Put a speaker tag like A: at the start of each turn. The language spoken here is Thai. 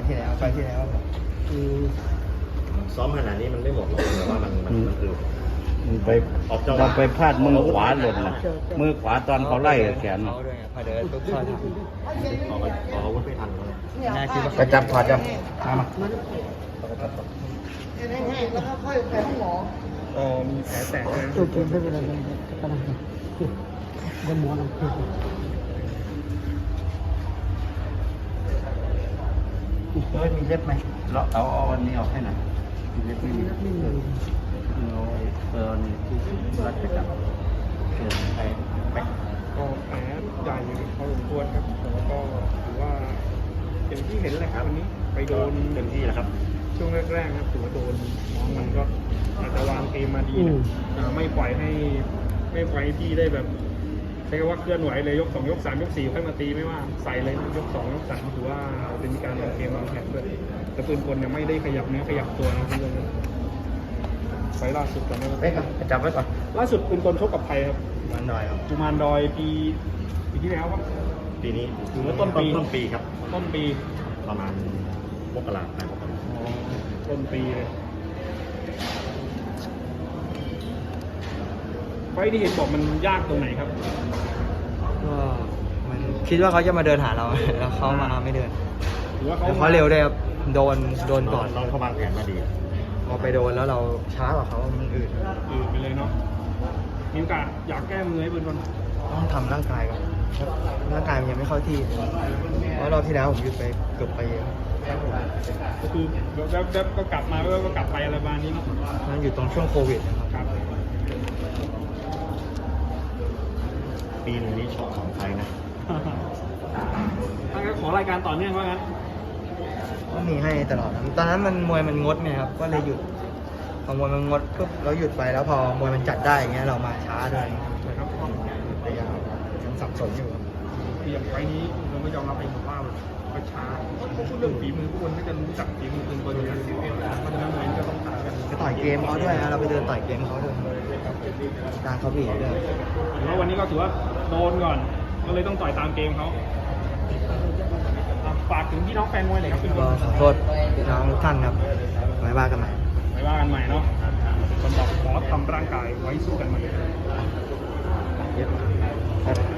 A: ที่แล้วคือ
B: ซ้อมขนาดนี้มันไม่หมดหรอกแต่ว่ามันคือ
C: มันไป
B: ออกจังหวะ
C: เราไปพลาดมือขวาหล่นนะมือขวาตอนเขาไล่แขน
A: เขาด้วยพอเดินปุ๊บเข้าทาง
B: ขออาวุธไม่ทันเลย
A: น่าคิดว่า
C: ไปจับถอดจับมา
A: แล้วก็ค่อยไปห้องหมอ
D: มีแผลแตกเลย
A: โอเคไม่เป็นไรกำลังเดินหมอลำพู
C: ไม่มีเล็บไหมเราเอาอันนี้ออกให้หน่อยมีเล็บไม่มีเอานี่ที่รัดไปจับไปไป
D: ก็แผลใหญ่พอสมควรครับแล้วก็ถือว่าอย่างที่เห็นแหละครับวันนี้ไปโดน
B: เต็มที่แล้วครับ
D: ช่วงแรกๆครับถือว่าโดนน้องมันก็อาจจะวางเกมมาดีนะไม่ปล่อยให้พี่ได้แบบใช้คำว่าเคลื่อนไหวเลยยก2ยก3ยก4ค่อยมาตีไม่ว่าใส่เลยนะยก2ยก3ถือว่าเป็นการวางเกมวางแผนด้วยแต่ปืนกลเนี่ยไม่ได้ขยับเนื้อขยับตัวนะเพื่อนไฟล่าสุดก่อนนะ
C: ไปก่อนจับไว้ก่อน
D: ล่าสุดปืนกลชกกับใครครับ
B: มันหน่อยครับ
D: กุมารดอยปีที่แล้วครับ
B: ปีนี้
D: ถือว่าต้นปี
B: ต้นปีครับ
D: ต้นปี
B: ประมาณมกราคม
D: ต้นปีเลยไฟที่เห็นบอกมันยากตรงไหนครับ
A: ก็มันคิดว่าเขาจะมาเดินหาเรา แล้วเขามาไม่เดิน
D: หรือว่า
A: แต่เขาเร็วด้วยครับโดนก่อน
B: น้องเขาวางแผนมาดี
A: พอไปโดนแล้วเราช้ากว่าเขามันอืด
D: ไปเลยเนาะมีโอกาสอยากแก้มือให้ปืนกล
A: ต้องทำร่างกายก่อนร่างกายมันยังไม่เข้าที่เพราะรอบที่แล้วผมหยุดไปเกือบไปเยอะ
D: ก็คือแล้วก็กลับมาแล้วก็กลับไปอะไรประมาณนี้เนาะ
A: นั่นอยู่ตรงช่วงโควิดนะครับ
D: ครับ
B: ปีหนึงนี้ชอบของใครนะ
D: ถ้างั้นขอรายการต่อเนื่องว่างั้น
A: ก็มีให้ตลอดครับตอนนั้นมันมวยมันงดไงครับก็เลยหยุดพอมวยมันงดปุ๊บเราหยุดไปแล้วพอมวยมันจัดได้อย่างเงี้ยเรามาช้าด้วย
D: นะครับ
A: แต่ยังสับสนอยู่ครับ
D: อย่างไฟนี้เราก็ยอมรับเองว่าก็ช้าพูดเรื่องฝีมือทุกคนก็จะรู้จักฝีมือปืนกลอยู่แล้วเพราะฉะนั้นมวยก็ต้องต่างกัน
A: ก็ต่อยเกมเขาด้วยนะเราไปเดินต่อยเกมเขาด้วยตามเขาบีบด้วย
D: ถือว่าวันนี้ก็ถือว่าโดนก่อนก็เลยต้องต่อยตามเกมเขาฝากถึงพี่น้องแฟนมวยหน่อยครับพี่
A: ก็ขอโทษพี่น้องทุกท่านครับไว้ว่ากันใหม่
D: ไว้ว่ากันใหม่เนาะคนบอกขอทำร่างกายไว้สู้กันใหม่
A: ครับ